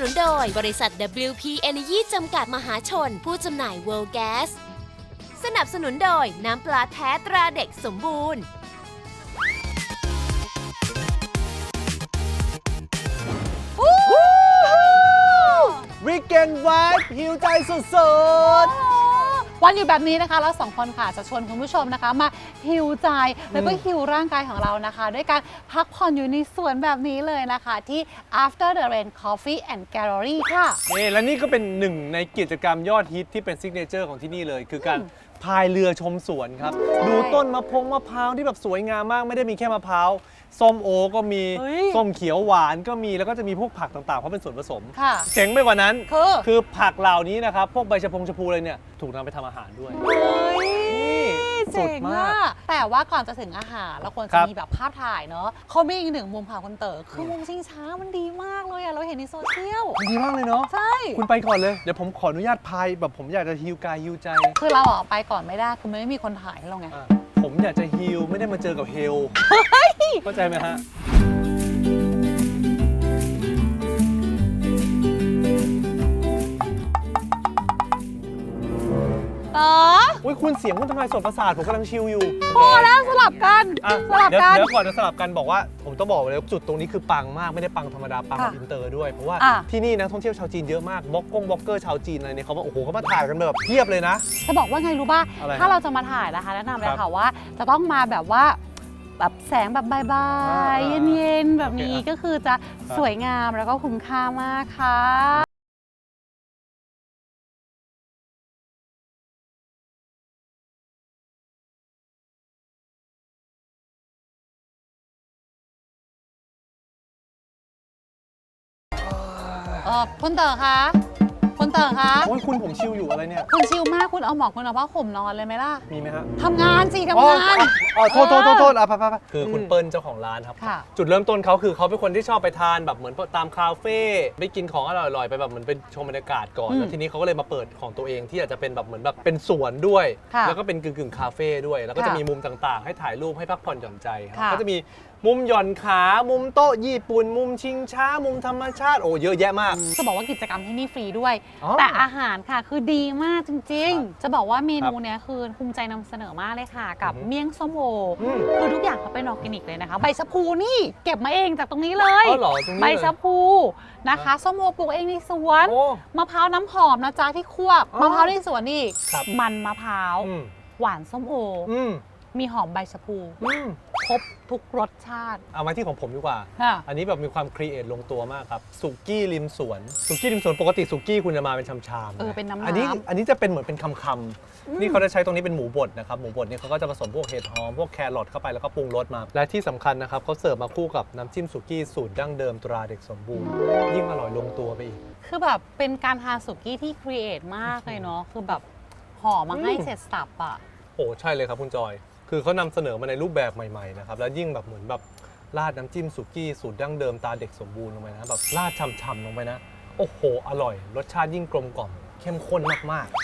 นุนโดยบริษัท WP Energy จำกัดมหาชนผู้จำหน่าย World Gas สนับสนุนโดยน้ำปลาแท้ตราเด็กสมบูรณ์วีแกนไวท์หิวใจสุดๆวันอยู่แบบนี้นะคะเราสองคนค่ะจะชวนคุณผู้ชมนะคะมาฮิวใจแล้วก็ฮิวร่างกายของเรานะคะด้วยการพักผ่อนอยู่ในสวนแบบนี้เลยนะคะที่ After the Rain Coffee and Gallery ค่ะและนี่ก็เป็นหนึ่งในกิจกรรมยอดฮิตที่เป็นซิกเนเจอร์ของที่นี่เลยคือการพายเรือชมสวนครับดูต้นมะพร้าวที่แบบสวยงามมากไม่ได้มีแค่มะพร้าวส้มโอก็มีส้มเขียวหวานก็มีแล้วก็จะมีพวกผักต่างๆเพราะเป็นส่วนผสมเจ๋งไปกว่านั้นคือผักเหล่านี้นะครับพวกใบชะพูอะไรเนี่ยถูกนำไปทำอาหารด้วยเจ๋งมากแต่ว่าก่อนจะถึงอาหารเราควรจะมีแบบภาพถ่ายเนาะเขามีอีกหนึ่งมุมค่ะคุณเต๋อคือมุมชิงช้ามันดีมากเลยอะเราเห็นในโซเชียลดีมากเลยเนาะใช่คุณไปก่อนเลยเดี๋ยวผมขออนุญาตพายแบบผมอยากจะฮิวกายฮิวใจคือเราออกไปก่อนไม่ได้คือไม่มีคนถ่ายให้เราไงผมอยากจะฮิลไม่ได้มาเจอกับเฮลเข้าใจไหมฮะคุณเสียงคุณทำลายส่วนประสาทผมกำลังชิลอยู่พอแล้วสลับกันเดี๋ยวก่อนจะสลับกันบอกว่าผมต้องบอกเลยจุดตรงนี้คือปังมากไม่ได้ปังธรรมดาปังแบบอินเตอร์ด้วยเพราะว่าที่นี่นักท่องเที่ยวชาวจีนเยอะมากบล็อกเกอร์ชาวจีนอะไรเนี่ยเขาบอกโอ้โหเขามาถ่ายกันแบบเพียบเลยนะจะบอกว่าไงรู้ป่ะถ้าเราจะมาถ่ายนะคะแนะนำเลยค่ะว่าจะต้องมาแบบว่าแบบแสงแบบบายๆเย็นๆแบบนี้ก็คือจะสวยงามแล้วก็คุ้มค่ามากค่ะคุณเต๋อคะคุณเต๋อคะโอ้ยคุณผมชิลอยู่อะไรเนี่ยคุณชิลมากคุณเอาหมอกคุณเอาผ้าห่มนอนเลยไหมล่ะมีไหมฮะทำงานสิทำงานโทษไปคือคุณเปิ้ลเจ้าของร้านครับจุดเริ่มต้นเขาคือเขาเป็นคนที่ชอบไปทานแบบเหมือนตามคาเฟ่ไปกินของอร่อยๆไปแบบเหมือนเป็นชมบรรยากาศก่อนแล้วทีนี้เขาก็เลยมาเปิดของตัวเองที่อาจจะเป็นแบบเหมือนแบบเป็นสวนด้วยแล้วก็เป็นกึ่งคาเฟ่ด้วยแล้วก็จะมีมุมต่างๆให้ถ่ายรูปให้พักผ่อนหย่อนใจก็จะมีมุมหย่อนขามุมโต๊ะญี่ปุ่นมุมชิงช้ามุมธรรมชาติโอ้เยอะแยะมากจะบอกว่ากิจกรรมที่นี่ฟรีด้วยแต่อาหารค่ะคือดีมากจริงๆจะบอกว่าเมนูเนี้ยคือภูมิใจนำเสนอมากเลยค่ะกับเมี่ยงส้มโอคือทุกอย่างเขาเป็นออร์แกนิกเลยนะคะใบชะพูนี่เก็บมาเองจากตรงนี้เลยใบชะพูนะคะส้มโอปลูกเองในสวนมะพร้าวน้ำหอมนะจ๊ะที่คั่วมะพร้าวในสวนนี่มันมะพร้าวหวานส้มโอมีหอมใบชะพูครบทุกรสชาติเอามาที่ของผมดีกว่าอันนี้แบบมีความครีเอทลงตัวมากครับสุกี้ริมสวนปกติสุกี้คุณจะมาเป็นชามๆเป็นน้ำอันนี้จะเป็นเหมือนเป็นคำๆนี่เขาจะใช้ตรงนี้เป็นหมูบดนะครับหมูบดนี่เขาก็จะผสมพวกเห็ดหอมพวกแครอทเข้าไปแล้วก็ปรุงรสมาและที่สำคัญนะครับเขาเสิร์ฟมาคู่กับน้ำจิ้มสุกี้สูตรดั้งเดิมตราเด็กสมบูรณ์ยิ่งอร่อยลงตัวไปอีกคือแบบเป็นการทานสุกี้ที่ครีเอทมากเลยเนาะคือแบบห่อมาให้เสร็จสับอ่ะโอ้ใช่เลยครับคุณจอยคือเขานำเสนอมาในรูปแบบใหม่ๆนะครับแล้วยิ่งแบบเหมือนแบบราดน้ำจิ้มสุกี้สูตรดั้งเดิมตาเด็กสมบูรณ์ลงไปนะแบบราดฉ่ำๆลงไปนะโอ้โหอร่อยรสชาติยิ่งกลมกล่อมเข้มข้นมาก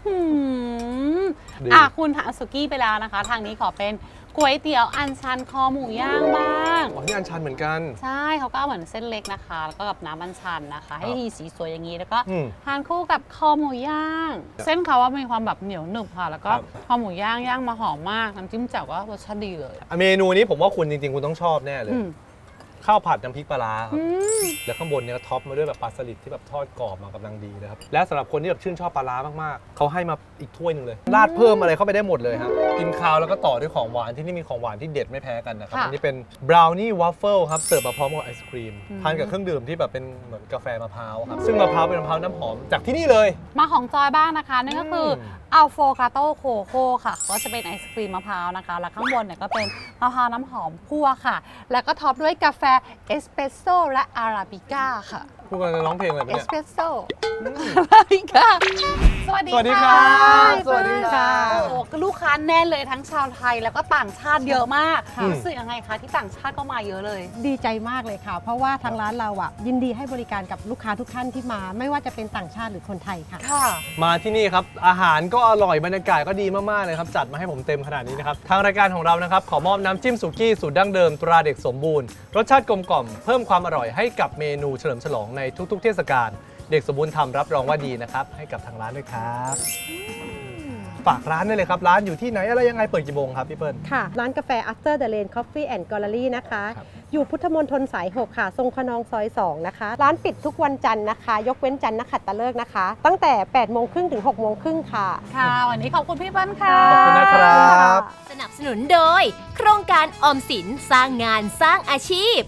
ๆคุณทานสุกี้ไปแล้วนะคะทางนี้ขอเป็นก๋วยเตี๋ยวอันชันคอหมูย่างบ้างนี่อันชันเหมือนกันใช่เขาก็เหมือนเส้นเล็กนะคะแล้วก็กับน้ำอันชันนะคะให้ทีสีสวยอย่างนี้แล้วก็ทานคู่กับคอหมูย่างเส้นเขาว่ามีความแบบเหนียวหนึบค่ะแล้วก็คอหมูย่างมาหอมมากน้ำจิ้มแจ่วก็รสชาติดีเลยเมนูนี้ผมว่าคุณจริงๆคุณต้องชอบแน่เลยข้าวผัดน้ำพริกปลาร้าครับแล้วข้างบนเนี่ยก็ท็อปมาด้วยแบบปลาสลิดที่แบบทอดกรอบมากำลังดีนะครับและสำหรับคนที่แบบชื่นชอบปลาร้ามากๆเขาให้มาอีกถ้วยหนึ่งเลยราดเพิ่มอะไรเข้าไปได้หมดเลยครับกินข้าวแล้วก็ต่อด้วยของหวานที่นี่มีของหวานที่เด็ดไม่แพ้กันนะครับอันนี้เป็นบราวนี่วัฟเฟิลครับเสิร์ฟมาพร้อมกับไอศครีมทานกับเครื่องดื่มที่แบบเป็นเหมือนกาแฟมะพร้าวครับซึ่งมะพร้าวเป็นมะพร้าวน้ำหอมจากที่นี่เลยมาของจอยบ้างนะคะนั่นก็คืออัลโฟกาโตโคโค่ค่ะก็จะเป็นไอศครีมมะพร้าวนะคะแล้วข้างบนเนี่ยก็เป็นมะพร้าวน้ำหอมคั่วค่ะแล้วก็ท็อปด้วยกาแฟเอสเปรสโซ่และอาราบิก้าค่ะพูดกันร้องเพลงอะไรเอเนี่ยสเปรสโซ่อาราบิก้าสวัสดีค่ะสวัสดีค่ะโอ้ลูกค้าแน่นเลยทั้งชาวไทยแล้วก็ต่างชาติเยอะมากรู้สึกยังไงคะที่ต่างชาติก็มาเยอะเลยดีใจมากเลยค่ะเพราะว่าทางร้านเราอ่ะยินดีให้บริการกับลูกค้าทุกท่านที่มาไม่ว่าจะเป็นต่างชาติหรือคนไทยค่ะมาที่นี่ครับอาหารก็อร่อยบรรยากาศก็ดีมากๆเลยครับจัดมาให้ผมเต็มขนาดนี้นะครับทางรายการของเรานะครับขอมอบน้ำจิ้มสุกี้สูตรดั้งเดิมตราเด็กสมบูรณ์รสชาติกลมกล่อมเพิ่มความอร่อยให้กับเมนูเฉลิมฉลองในในทุกๆ เทศกาลเด็กสมบูรณ์ทำรับรองว่าดีนะครับให้กับทางร้านด้วยครับฝากร้านได้เลยครับร้านอยู่ที่ไหนอะไรยังไงเปิดกี่โมงครับพี่เปิ้ลค่ะ ร้านกาแฟ After the Rain Coffee and Gallery นะคะครับอยู่พุทธมณฑลสาย 6 ค่ะ ทรงขนองซอย 2 นะคะ ร้านปิดทุกวันจันทร์นะคะ ยกเว้นจันทร์นักขัตฤกษ์นะคะ ตั้งแต่ 8 โมงครึ่งถึง 6 โมงครึ่งค่ะค่ะ วันนี้ขอบคุณพี่เปิ้ลค่ะขอบคุณนะครับสนับสนุนโดย โครงการออมสินสร้างงานสร้างอาชีพ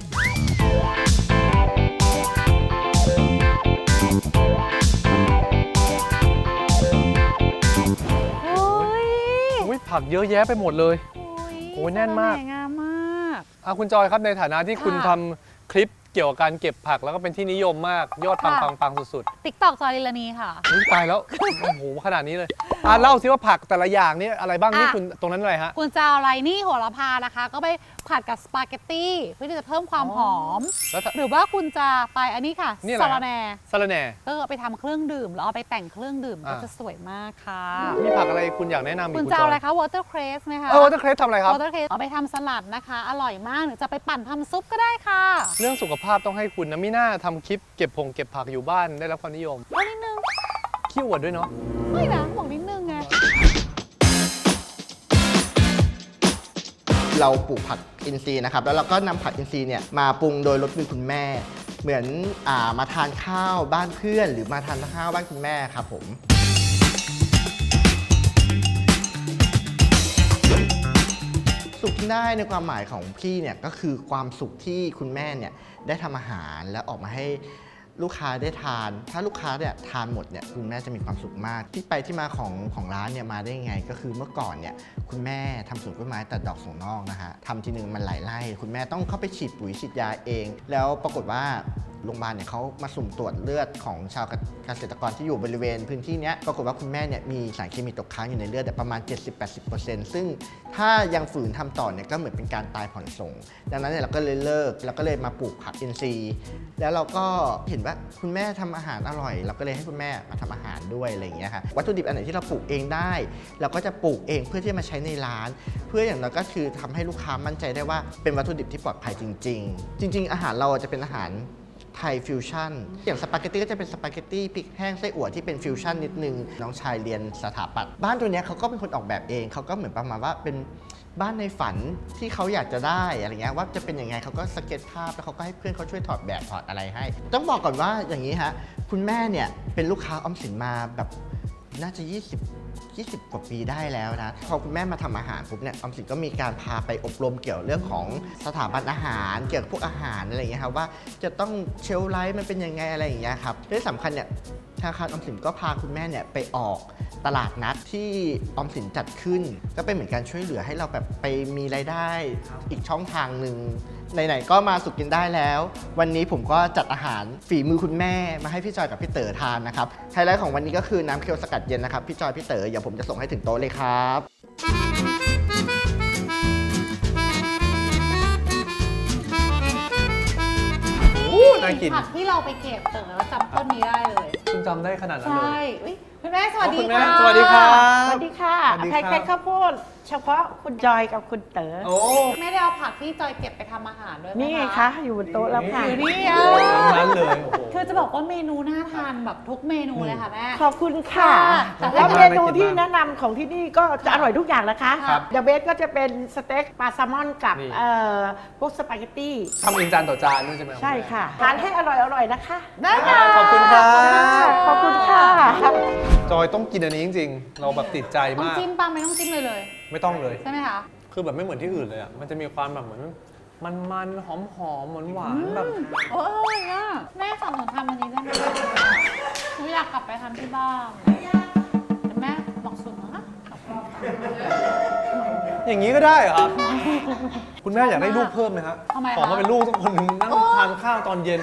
โอ้ยอุ๊ยผักเยอะแยะไปหมดเลย โอ้ยแน่นมากสวยงามมากคุณจอยครับในฐานะที่ค่ะคุณทำคลิปเกี่ยวกับการเก็บผักแล้วก็เป็นที่นิยมมากยอดปังค่ะปังสุดติ๊กตอกจอยลิลานีค่ะๆอุ๊ยตายแล้ว โอ้โหขนาดนี้เลยเล่าสิว่าผักแต่ละอย่างนี่อะไรบ้างนี่คุณตรงนั้นอะไรฮะคุณจะเอาอะไรนี่โหระพานะคะ ก็ไปผัดกับสปาเกตตี้เพื่อที่จะเพิ่มความหอมแล้วถ้าหรือว่าคุณจะไปอันนี้ค่ะนี่อะไรซาฮะลาแหน่สะระแหน่ก็เอาไปทำเครื่องดื่มแล้วเอาไปแต่งเครื่องดื่มก็อ่าจะสวยมากค่ะมีผักอะไรคุณอยากแนะนำอีกคุณคุณจะจเอาออะไรยคะวอเตอร์เครสไหมคะวอเตอร์เครสทำอะไรครับวอเตอร์เครสเอาไปทำสลัดนะคะ อร่อยมากหรือจะไปปั่นทำซุปก็ได้ค่ะเรื่องสุขภาพต้องให้คุณนะมิน่าทำคลิปเก็บผักอยู่บ้านได้รับความนิยมก็นิดนึงขี้อวดด้วยเนาะไม่นะบอกนิดนึงไงเราปลูกผักอินทรีย์นะครับแล้วเราก็นำผักอินทรีย์เนี่ยมาปรุงโดยรสมือคุณแม่ เหมือนมาทานข้าวบ้านเพื่อน หรือมาทานข้าวบ้านคุณแม่ครับผมสุขที่ได้ในความหมายของพี่เนี่ยก็คือความสุขที่คุณแม่เนี่ยได้ทำอาหารแล้วออกมาให้ลูกค้าได้ทาน ถ้าลูกค้าเนี่ยทานหมดเนี่ยคุณแม่จะมีความสุขมาก ที่ไปที่มาของร้านเนี่ยมาได้ยังไง ก็คือเมื่อก่อนเนี่ยคุณแม่ทำสวนกล้วยไม้ตัดดอกส่งนอกนะฮะทำทีนึงมันหลายไร่คุณแม่ต้องเข้าไปฉีดปุ๋ยฉีดยาเอง แล้วปรากฏว่าโรงพยาบาลเนี่ยเขามาสุ่มตรวจเลือดของชาวเกษตรกรที่อยู่บริเวณพื้นที่เนี้ยปรากฏว่าคุณแม่เนี่ยมีสารเคมีตกค้างอยู่ในเลือดประมาณ 70-80% ซึ่งถ้ายังฝืนทำต่อเนี่ยก็เหมือนเป็นการตายผ่อนส่ง ดังนั้นเนี่ยเราก็เลยเลิกเราก็เลยมาปลูกผักอินทรีย์แล้วเราก็เห็นว่าคุณแม่ทำอาหารอร่อย เราก็เลยให้คุณแม่มาทำอาหารด้วยอะไรอย่างเงี้ยค่ะวัตถุดิบอันไหนที่เราปลูกเองได้เราก็จะปลูกเองเพื่อที่จะมาใช้ในร้าน เพื่ออย่างน้อยก็คือทำให้ลูกค้ามั่นใจได้ว่าเป็นวัตถุดิบที่ปลอดภัยจริง ๆ จริง ๆ อาหารเราจะเป็นอาหารไทยฟิวชั่นอย่างสปาเกตตี้ก็จะเป็นสปาเกตตี้พริกแห้งไส้อั่วที่เป็นฟิวชั่นนิดนึงน้องชายเรียนสถาปัตย์บ้านตัวเนี้ยเขาก็เป็นคนออกแบบเองเขาก็เหมือนประมาณว่าเป็นบ้านในฝันที่เขาอยากจะได้อะไรเงี้ยว่าจะเป็นยังไงเขาก็สเก็ตภาพแล้วเขาก็ให้เพื่อนเขาช่วยถอดแบบถอดอะไรให้ ต้องบอกก่อนว่าอย่างนี้ฮะคุณแม่เนี่ยเป็นลูกค้าออมสินมาแบบน่าจะ20 กว่าปีได้แล้วนะพอคุณแม่มาทำอาหารปุ๊บเนี่ยออมสินก็มีการพาไปอบรมเกี่ยวเรื่องของสถาบันอาหารเกี่ยวกับพวกอาหารอะไรอย่างเงี้ยครับว่าจะต้องเชลฟ์ไลฟ์มันเป็นยังไงอะไรอย่างเงี้ยครับที่สำคัญเนี่ยธนาคารออมสินก็พาคุณแม่เนี่ยไปออกตลาดนัดที่ออมสินจัดขึ้น ก็เป็นเหมือนการช่วยเหลือให้เราแบบไปมีรายได้อีกช่องทางหนึ่งไหนๆก็มาสุขกินได้แล้ว วันนี้ผมก็จัดอาหารฝีมือคุณแม่มาให้พี่จอยกับพี่เต๋อทานนะครับไฮไลท์ของวันนี้ก็คือน้ำเคียวสกัดเย็นนะครับพี่จอยพี่เต๋อเดี๋ยวผมจะส่งให้ถึงโต๊ะเลยครับน่ากินผักที่เราไปเก็บเต๋อแล้วจำต้นนี้ได้เลยคุณจำได้ขนาดนั้นเลใช่ยอุ๊ยคุณแม่สวัสดีคุณแม่ค่ะสวัสดีครับสวัสดีค่ะสวัสดีครับไข่ข้าวโพดเฉพาะคุณจอยกับคุณเต๋อโอ้แม่ได้เอาผักที่จอยเก็บไปทำอาหารด้วยไหมนี่ไงคะอยู่บนโต๊ะแล้วค่ะอยู่นี่ทั้งนั้นเลยโอ้โหคือจะบอกว่าเมนูน่าทานแบบทุกเมนูเลยค่ะแม่ขอบคุณค่ะแต่แล้วถ้าเมนูที่แนะนำของที่นี่ก็จะอร่อยทุกอย่างนะคะครับเดอะเบสก็จะเป็นสเต็กปลาแซลมอนกับนี่พวกสปาเกตตี้ทำเองจานต่อจานด้วยใช่ไหมใช่ค่ะทานให้อร่อยๆนะคะได้ค่ะขอบคุณครับขอบคุณค่ะจอยต้องกินอันนี้จริงๆ เราแบบติดใจต้องมากจิ้มปังไม่ต้องจิ้มเลยไม่ต้องเลยใช่ไหมคะคือแบบไม่เหมือนที่อื่นเลยอ่ะ มันจะมีความแบบเหมือนมันๆหอมๆหวานๆแบบโอ้ยอ่ะแม่สอนหนูทำอันนี้ได้ไหมหนูอยากกลับไปทำที่บ้านแต่แม่บอกสุดนะอย่างนี้ก็ได้เหรอครับ คุณแม่อยากได้ลูกเพิ่มไหมครับทำไมคะขอมาเป็นลูกสักคนหนึงนั่งทานข้าวตอนเย็น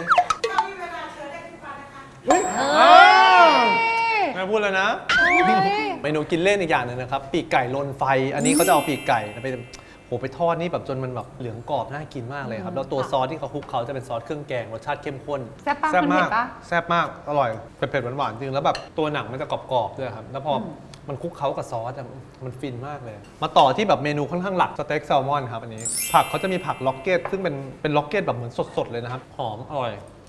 แม่พูดเลยนะ เมนูกินเล่นอีกอย่างหนึ่งนะครับ ปีกไก่ลนไฟ อันนี้เขาจะเอาปีกไก่ไปทอดนี่แบบจนมันแบบเหลืองกรอบน่ากินมากเลยครับ แล้วตัวซอสที่เขาคลุกเขาจะเป็นซอสเครื่องแกงรสชาติเข้มข้นแซ่บปะแซ่บคุณเห็มากนปะแซ่บมาก อร่อย เผ็ดๆหวานๆจริง แล้วแบบตัวหนังมันจะกรอบๆด้วยครับ แล้วพอมันคลุกเคล้ากับซอสอะมันฟินมากเลย มาต่อที่แบบเมนูค่อนข้างหลักสเต็กแซลมอนครับอันนี้ ผักเขาจะมีผักล็อกเก็ตซึ่งเป็นล็อกเก็ตแบบเหมือนสดๆเลยนะครับ หอมอร่อย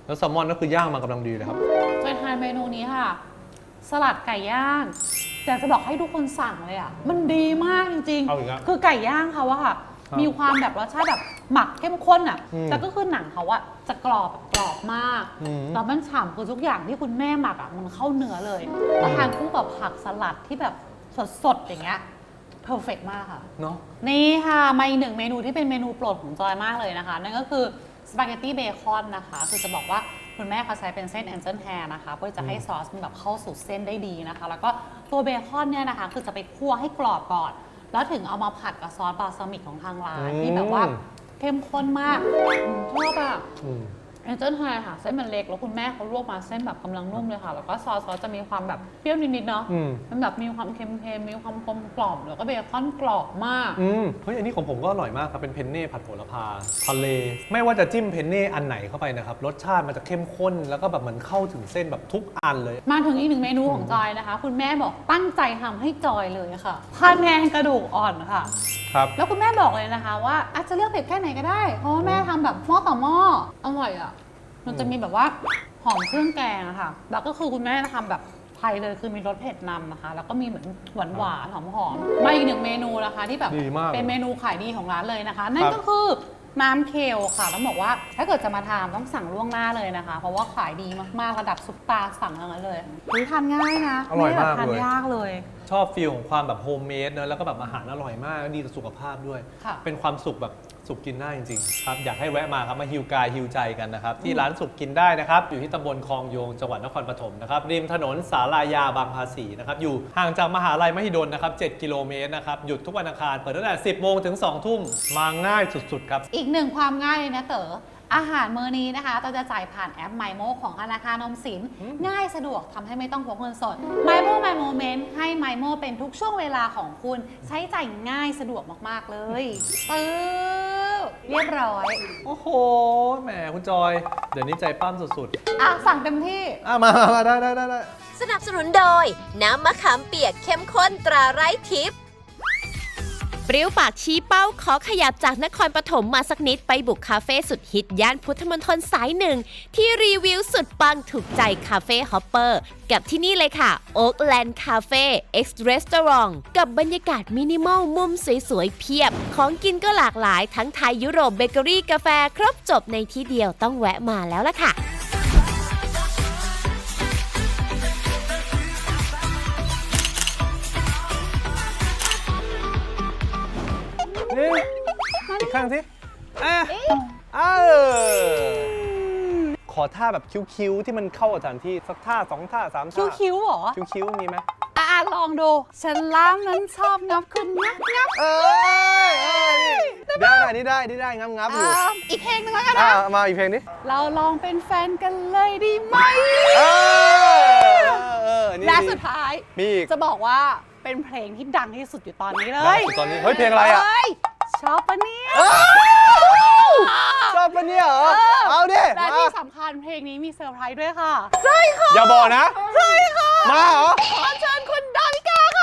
แล้วแซลมอนก็คือย่างมากำลังดีเลยครับไปทานเมนูนี้ค่ะ สลัดไก่ย่างแต่จะบอกให้ทุกคนสั่งเลยอ่ะมันดีมากจริงเอาอีกแล้วคือไก่ย่างเขาอะค่ะครับมีความแบบรสชาติแบบหมักเข้มข้นอ่ะอืมแต่ก็คือหนังเขาอะจะกรอบมากอืมแล้วมันฉ่ำคือทุกอย่างที่คุณแม่หมักอะมันเข้าเนื้อเลยแล้วทานคู่กับผักสลัดที่แบบสดๆอย่างเงี้ยเพอร์เฟกมากค่ะเนาะนี่ค่ะมาอีกหนึ่งเมนูที่เป็นเมนูโปรดของจอยมากเลยนะคะ นั่นก็คือสปาเกตตี้เบคอนนะคะ คือจะบอกว่าคุณแม่เขาใช้เป็นเส้นแอนเจิลแฮร์นะคะเพื่อจะให้ซอสมันแบบเข้าสู่เส้นได้ดีนะคะ แล้วก็ตัวเบคอนเนี่ยนะคะ คือจะไปคั่วให้กรอบก่อน แล้วถึงเอามาผัดกับซอสบาซามิกของทางร้านที่แบบว่าเข้มข้นมากชอบอะอืมแอนเจิลไฮค่ะเส้นมันเล็กแล้วคุณแม่เขาลวกมาเส้นแบบกำลังนุ่มเลยค่ะ แล้วก็ซอสจะมีความแบบเปรี้ยวนิดๆเนาะอืมมันแบบมีความเค็มๆมีความกลมกล่อมแล้วก็เบคอนกรอบมากเฮ้ยอันนี้ของผมก็อร่อยมากครับเป็นเพนเน่ผัดโหระพาทะเล ไม่ว่าจะจิ้มเพนเน่อันไหนเข้าไปนะครับรสชาติมันจะเข้มข้นแล้วก็แบบมันเข้าถึงเส้นแบบทุกอันเลยมาถึงอีกหนึ่งเมนูของจอยนะคะ คุณแม่บอกตั้งใจทำให้จอยเลยค่ะพะแนงกระดูกอ่อนค่ะครับแล้วคุณแม่บอกเลยนะคะว่าอาจจะเลือกเผ็ดแค่ไหนก็ได้ เพราะว่าแม่ทำแบบหม้อต่อหม้ออร่อยอ่ะมันจะมีแบบว่าหอมเครื่องแกงอะค่ะแล้วก็คือคุณแม่ทำแบบไทยเลยคือมีรสเผ็ดนำนะคะ แล้วก็มีเหมือนหวานๆหอมๆมาอีกหนึ่งเมนูนะคะที่แบบดีมากเป็นเมนูขายดีของร้านเลยนะคะ นั่นก็คือน้ำเคลค่ะต้องบอกว่าถ้าเกิดจะมาทานต้องสั่งล่วงหน้าเลยนะคะ เพราะว่าขายดีมากๆระดับซุปตาร์สั่งทั้งนั้นเลยทานง่ายนะอร่อยมากไได้แบบทานเลยยากเลยชอบฟีลของความแบบโฮมเมดเนอะแล้วก็แบบอาหารอร่อยมากดีต่อสุขภาพด้วยค่ะเป็นความสุขแบบสุขกินได้จริงๆครับอยากให้แวะมาครับมาฮิวกายฮิวใจกันนะครับที่ร้านสุขกินได้นะครับอยู่ที่ตำบลคลองโยงจังหวัดนครปฐมนะครับริมถนนสาลายาบางภาษีนะครับอยู่ห่างจากมหาลัยมหิดลนะครับ7 กิโลเมตรนะครับหยุดทุกวันอังคารเปิดตั้งแต่ 10 โมงถึง 2 ทุ่มมาง่ายสุดๆครับอีกหนึ่งความง่ายเลยนะเต๋ออาหารมื้อนี้นะคะเราจะจ่ายผ่านแอป MyMo ของธนาคารออมสินง่ายสะดวกทำให้ไม่ต้องพกเงินสด MyMo My Moment ให้ MyMo เป็นทุกช่วงเวลาของคุณใช้จ่ายง่ายสะดวกมากๆเลยปึ๊บเรียบร้อยโอ้โหแหมคุณจอย เดี๋ยวนี้ใจปั้มสุดอ่ะสั่งเต็มที่ๆมาได้สนับสนุนโดย น้ำมะขามเปียกเข้มข้นตราไร้ทิพย์เปรี้ยวปากชี้เป้าขอขยับจากนครปฐมมาสักนิดไปบุกคาเฟ่สุดฮิตย่านพุทธมณฑลสายหนึ่งที่รีวิวสุดปังถูกใจคาเฟ่ฮอปเปอร์กับที่นี่เลยค่ะ Oakland Cafe X Restaurant กับบรรยากาศมินิมอลมุมสวยๆเพียบ ของกินก็หลากหลายทั้งไทยยุโรปเบเกอรี่กาแฟครบจบในที่เดียวต้องแวะมาแล้วล่ะค่ะนี่อีกข้างสิขอท่าแบบคิ้วๆที่มันเข้ากับสถานที่สักท่า2 ท่า 3 ท่าคิ้วๆเหรอคิ้วๆมีไหมอ่ะลองดูฉันล้ามนั้นชอบงับคุณงับได้งับอยู่อีกเพลงหนึงแล้วกันอ่ะนะมาอีกเพลงนี้เราลองเป็นแฟนกันเลยดีไหมนี่และสุดท้ายมีอีกจะบอกว่าเป็นเพลงที่ดังที่สุดอยู่ตอนนี้เลได้ยสุดตอนนี้เฮ้ยเพลงอะไรอ่ะเฮ้ยชอบปะเนี่ยชอบปะเนี่ยเหรอเอาดิและมาที่สำคัญเพลงนี้มีเซอร์ไพรส์ด้วยค่ะอย่าบอกนะใช่ค่ะมาเหรอขอเชิญคุณดาวิกาค่ะ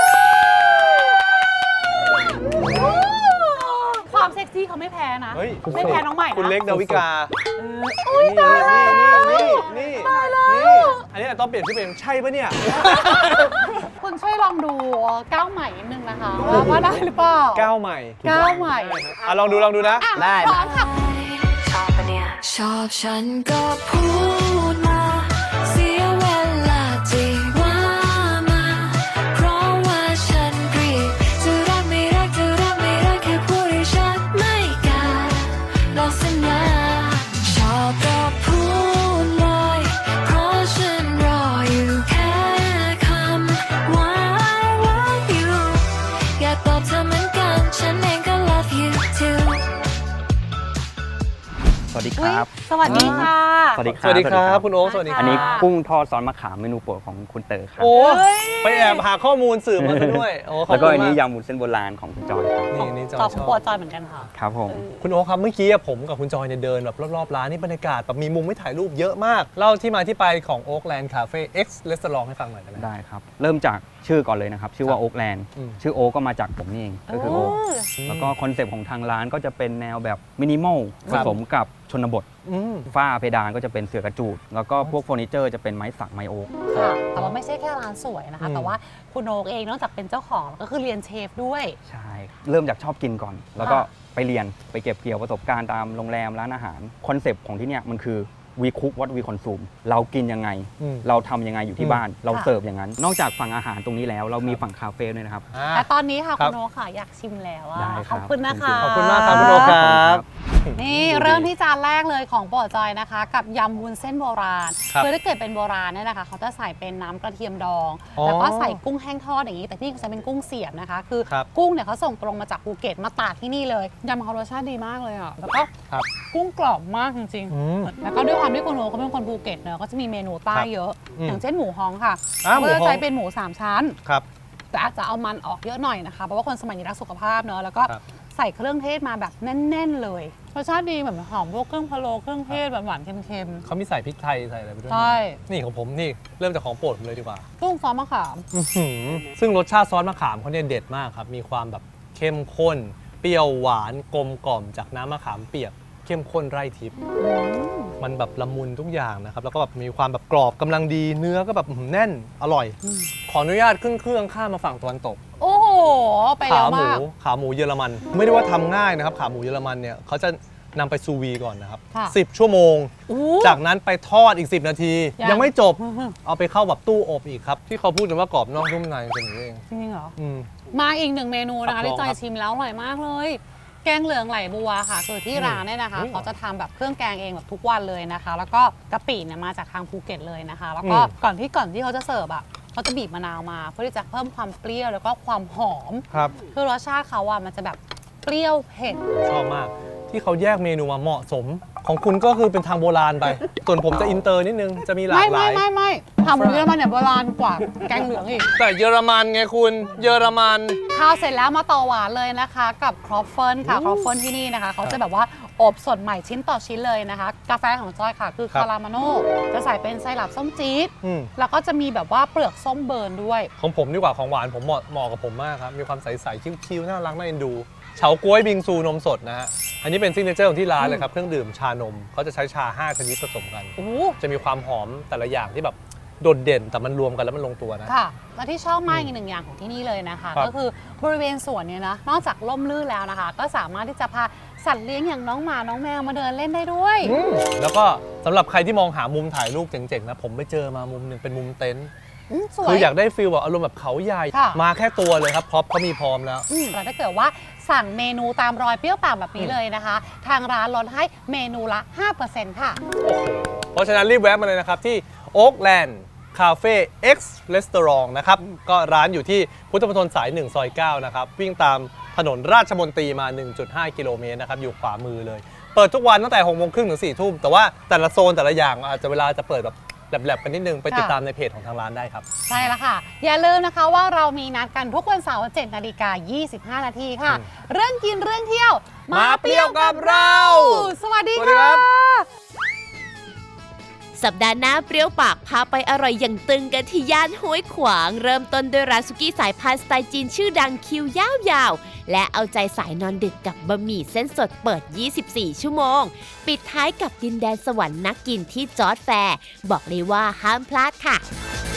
ความเซ็กซี่เขาไม่แพ้นะเฮ้ยไม่แพ้น้องใหม่นะคุณเล็กดาวิกาอุ้ยตายแล้วนี่ตายแล้วอันนี้ต้องเปลี่ยนชื่อเป็นใช่ปะเนี่ยคุณช่วยลองดูก้าวใหม่นิดนึงนะคะว่าได้หรือเปล่าก้าวใหม่ก้าวใหม่อ่ะลองดูนะได้พร้อมค่ะชอบฉันก็พูดมา เสียเวลาที่ว่ามา เพราะว่าฉันเกลียดจะรักไม่รักแค่พูดให้ชัดไม่กล้าหลอกสัญญาชอบก็พูดเลยเพราะฉันรออยู่แค่คำว่า I love you อยากตอบเธอเหมือนกันฉันเองก็ love you too สวัสดีครับสวัสดีค่ะสวัสดีคสรับวัสดีครับคุณโอ๊คสวัสดีคอัรันบนี้กุ้งทอดซอสมะขามเมนูโปรดของคุณเต๋อครับโอ้ไปแอบหาข้อมูลสื่อมาซะด้วยโอ้ขอบแล้วก็คุณอันนี้มากยำวุ้นเส้นโบราณของคุณจอยครับนี่จอยตอบชอบปวดจอยเหมือนกันค่ะครับผมคุณโอ๊คครับเมื่อกี้ผมกับคุณจอยเนี่ยเดินแบบรอบๆร้านนี่บรรยากาศแบบมีมุมให้ถ่ายรูปเยอะมากเล่าที่มาที่ไปของ Oakland Cafe X Restaurant ให้ฟังหน่อยได้ไหมได้ครับ เริ่มจากชื่อก่อนเลยนะครับ ชื่อว่าโอ๊กแลนด์อืมชื่อโอ๊กก็มาจากผมนี่เอง ก็คือโอ๊กแล้วก็คอนเซปต์ของทางร้านก็จะเป็นแนวแบบมินิมอลผสมกับชนบทอืมฝ้าเพดานก็จะเป็นเสือกระจูด แล้วก็พวกเฟอร์นิเจอร์จะเป็นไม้สักไม้โอ๊กค่ะ แต่ว่าไม่ใช่แค่ร้านสวยนะคะอืมแต่ว่าคุณโอ๊กเองนอกจากเป็นเจ้าของก็คือเรียนเชฟด้วยใช่ เริ่มจากชอบกินก่อน แล้วก็ค่ะไปเรียนไปเก็บเกี่ยวประสบการณ์ตามโรงแรมร้านอาหารคอนเซปต์ของที่เนี่ยมันคือwe cook what we consume เรากินยังไงอืมเราทำยังไงอยู่ที่บ้าน เราเสิร์ฟอย่างนั้น นอกจากฝั่งอาหารตรงนี้แล้วเรามีฝั่งคาเฟ่ด้วยนะครับแต่ตอนนี้ค่ะครัคุบณโอ๊กค่ะอยากชิมแล้วอะได้คขรับอบคุณนะคะขอบคุณมากครับคุณโอ๊คครับนี่เริ่มที่จานแรกเลยของโปรดจอยนะคะ กับยำวุ้นเส้นโบราณครับคือถ้าเกิดเป็นโบราณเนี่ยนะคะเขาจะใส่เป็นน้ำกระเทียมดองอ๋อแล้วก็ใส่กุ้งแห้งทอดอย่างนี้ แต่ที่เขาใช้เป็นกุ้งเสียบนะคะ คือครับกุ้งเนี่ยเขาส่งตรงมาจากภูเก็ตมาตากที่นี่เลยยำเขารสชาติดีมากเลยอ่ะแล้วก็ครับกุ้งกรอบมากจริงอืมๆแล้วก็ด้วยความที่คุณโอเขาเป็นคนภูเก็ตเนอะก็จะมีเมนูใต้ครับเยอะอืมอย่างเช่นหมูฮ้องค่ะหมูก็จะฮ้องใช้เป็นหมู3ชั้นครับแต่อาจจะเอามันออกเยอะหน่อยนะคะ เพราะว่าคนสมัยนี้รักสุขภาพเนอะแล้วก็ครับใส่เครื่องเทศมาแบบแน่น ๆ เลยรสชาติดีแบบหอมพวกเครื่องพะโล้เครื่องเทศหวานๆเค็มเขามีใส่พริกไทยใส่อะไรไปด้วยๆใช่นี่ของผมนี่เริ่มจากของโปรดผมเลยดีกว่ากุ้งซอสมะขามอื้อหือซึ่งรสชาติซอสมะขามเขาเนี่ยเด็ดมากครับ มีความแบบเข้มข้น เปรี้ยวหวานกลมกล่อมจากน้ำมะขามเปียก เข้มข้นไร่ทิพย์มันแบบละมุนทุกอย่างนะครับ แล้วก็แบบมีความแบบกรอบกำลังดี เนื้อก็แบบแน่น อร่อย ขออนุญาตขึ้นเครื่องข้ามมาฝั่งตะวันตกโอ้โห ไปขาแล้วหมูมากขาหมูเยอรมัน ไม่ได้ว่าทำง่ายนะครับ ขาหมูเยอรมันเนี่ยเขาจะนำไปซูวีก่อนนะครับค่ะ 10 ชั่วโมงอู้จากนั้นไปทอดอีก 10 นาทียังไม่จบ เอาไปเข้าแบบตู้อบอีกครับ ที่เขาพูดกันว่ากรอบนอกนุ่มในเป็นอย่างนี้เองจริงๆเหรออืมมาอีกหนึ่งเมนูนะครัคะบที่จอลองครัยบชิมแล้วอร่อยมากเลย แกงเหลืองไหลบัวค่ะคือที่ร้านเนี่ยนะคะอืมเขาจะทำแบบเครื่องแกงเองแบบทุกวันเลยนะคะ แล้วก็กะปิเนี่ยมาจากทางภูเก็ตเลยนะคะ แล้วก็อืมก่อนที่เขาจะเสิร์ฟอ่ะเขาจะบีบมะนาวมาเพื่อที่จะเพิ่มความเปรี้ยวแล้วก็ความหอมครับคือรสชาติเขาอ่ะมันจะแบบเปรี้ยวเผ็ดชอบมาก ที่เขาแยกเมนูมาเหมาะสม ของคุณก็คือเป็นทางโบราณไป ส่วนผมจะอินเตอร์นิดนึง จะมีหลากหลายไม่ทำหมูเยอรมันเนี่ยโบราณกว่าแกงเหลืองอีกแต่เยอรมันไงคุณ เยอรมันข้าวเสร็จแล้วมาต่อหวานเลยนะคะ กับครอฟเฟิลค่ะครอฟเฟิลที่นี่นะคะเขาจะแบบว่าอบสดใหม่ชิ้นต่อชิ้นเลยนะคะ กาแฟของจอยค่ะคือครับคารามาโน่จะใส่เป็นไซรัปส้มจี๊ดอืมแล้วก็จะมีแบบว่าเปลือกส้มเบิร์นด้วยของผมดีกว่าของหวานผมเหมาะกับผมมากครับ มีความใสๆคิ้วๆน่ารักน่าเอ็นดู เฉาก๊วยบิงซูนมสดนะฮะ อันนี้เป็นซิกเนเจอร์ของที่ร้านเลยครับ เครื่องดื่มชานมเขาจะใช้ชา 5 ชนิดผสมกันโอ้จะมีความหอมแต่ละอย่างที่แบบโดดเด่นแต่มันรวมกันแล้วมันลงตัวนะค่ะ และที่ชอบมากอีกหนึ่งอย่างของที่นี่เลยนะคะครับก็คือบริเวณสวนเนี่ยนะนอกจากร่มรื่นแล้วนะคะ ก็สามารถที่จะพาสัตว์เลี้ยงอย่างน้องหมาน้องแมวมาเดินเล่นได้ด้วยแล้วก็สำหรับใครที่มองหามุมถ่ายรูปเจ๋งๆนะผมไปเจอมามุมหนึ่งเป็นมุมเต็นท์สวยคืออยากได้ฟีลแบบอารมณ์แบบเขาใหญ่ค่ะมาแค่ตัวเลยครับพร็อพเขามีพร้อมแล้วแล้วถ้าเกิดว่าสั่งเมนูตามรอยเปรี้ยวปากแบบนี้เลยนะคะ ทางร้านลดให้เมนูละ 5% ค่ะโอ้โห เพราะฉะนั้นรีบแวะมาเลยนะครับ ที่ Oakland Cafe X Restaurant นะครับ ก็ร้านอยู่ที่พุทธมณฑลสาย 1 ซอย 9 นะครับ วิ่งตามถนนราชมนตรีมา 1.5 กิโลเมตรนะครับ อยู่ขวามือเลย เปิดทุกวันตั้งแต่ 6 โมงครึ่งถึง 4 ทุ่ม แต่ว่าแต่ละโซนแต่ละอย่างอาจจะเวลาจะเปิดแบบแลบๆกันนิดนึง ไปติดตามในเพจของทางร้านได้ครับใช่แล้วค่ะ อย่าลืมนะคะว่าเรามีนัดกันทุกวันเสาร์ 7:25 นาทีค่ะ เรื่องกินเรื่องเที่ยวมาเปรี้ยวกับเราสวัสดีสวัสดีครัค่ะบสัปดาห์หน้าเปรี้ยวปากพาไปอร่อยอย่างตึงกันที่ย่านห้วยขวาง เริ่มต้นด้วยร้านสุกี้สายพานสไตล์จีนชื่อดังคิวยาวๆ และเอาใจสายนอนดึกกับบะหมี่เส้นสดเปิด 24 ชั่วโมง ปิดท้ายกับดินแดนสวรรค์นักกินที่จอร์จแฟร์ บอกเลยว่าห้ามพลาดค่ะ